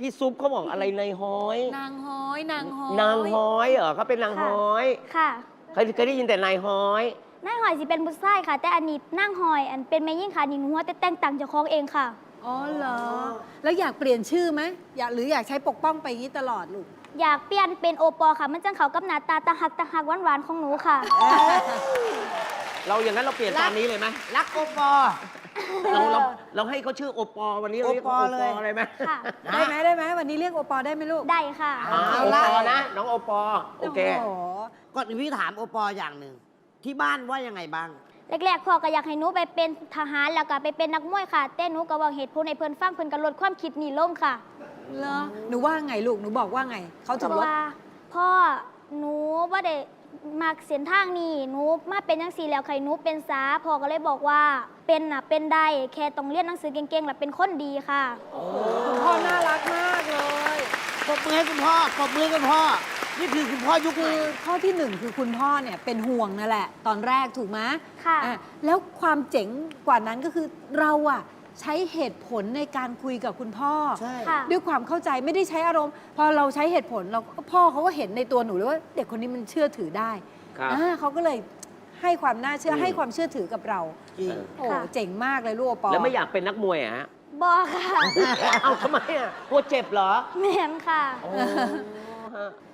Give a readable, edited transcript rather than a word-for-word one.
พี่ซุปเขาบอกอะไรนายฮ้อยนางฮ้อยนางฮ้อยนางฮ้อยเหรอเขาเป็นนางฮ้อยค่ะเคยได้ยินแต่นายฮ้อยนายหอยสิเป็นบุษไส้ค่ะ แต่อันนี้นั่งหอยอันเป็นแม่ยิ่งค่ะนี่หนูว่าแต่แต่งต่างเจากของเองค่ะอ๋อเหรอ แล้วอยากเปลี่ยนชื่อไหมอยากใช้ปกป้องไปอย่างนี้ตลอดลูกอยากเปลี่ยนเป็นโอปอค่ะ มันจังเขากับหน้าตาตาหักหวานๆของหนูค่ะเราอย่างนั้นเราเปลี่ยนตามนี้เลยไหมรักโอปอเราให้เขาชื่อโอปอวันนี้เราเรียกโอปอเขาโอเลปยออะไรไหมค่ะได้ไหมวันนี้เรียกโอปอได้ไหมลูกได้ค่ะโอปอนะน้องโอปอโอเคโอ้โหก่อนอื่นพี่ถามโอปออย่างหนึ่งที่บ้านว่ายังไงบ้างแรกๆพ่อก็อยากให้หนูไปเป็นทหารแล้วก็ไปเป็นนักมวยค่ะแต่หนูก็บอกเหตุผลในเพิ่นฟังเพิ่นก็ลดความคิดนี่ลงค่ะเหรอหนูว่าไงลูกหนูบอกว่าไงเขาถึงเพลราะดว่าพ่อหนูว่าได้มักเส้นทางนี้หนูมาเป็นจังซี่แล้วใครหนูเป็นสาพ่อก็เลยบอกว่าเป็นน่ะเป็นได้แค่ต้องเรียนหนังสือเก่งๆแล้วเป็นคนดีค่ะคุณพ่อน่ารักมากเลยปรบมือให้คุณพ่อปรบมือให้คุณพ่อ นี่คือคุณพ่อยุคใหคืม่อข้อที่หนึ่งคือคุณพ่อเนี่ยเป็นห่วงนั่นแหละ ตอนแรกถูกไหมค่ะอ่แล้วความเจ๋งกว่านั้นก็คือเราอะใช้เหตุผลในการคุยกับคุณพ่อใช่ค่ะด้วยความเข้าใจไม่ได้ใช้อารมณ์ พอเราใช้เหตุผลเราก็พ่อเขาก็เห็นในตัวหนูเลยว่าเด็กคนนี้มันเชื่อถือได้ครับเขาก็เลยให้ความน่าเชื่อให้ความเชื่อถือกับเราจริงโอ้ค่ะเจ๋งมากเลยลูกโอปอแล้วไม่อยากเป็นนักมวยอะฮะบอกค่ะเอาทำไมอ่ะกลัวเจ็บเหรอแม่นค่ะโอ้ฮะ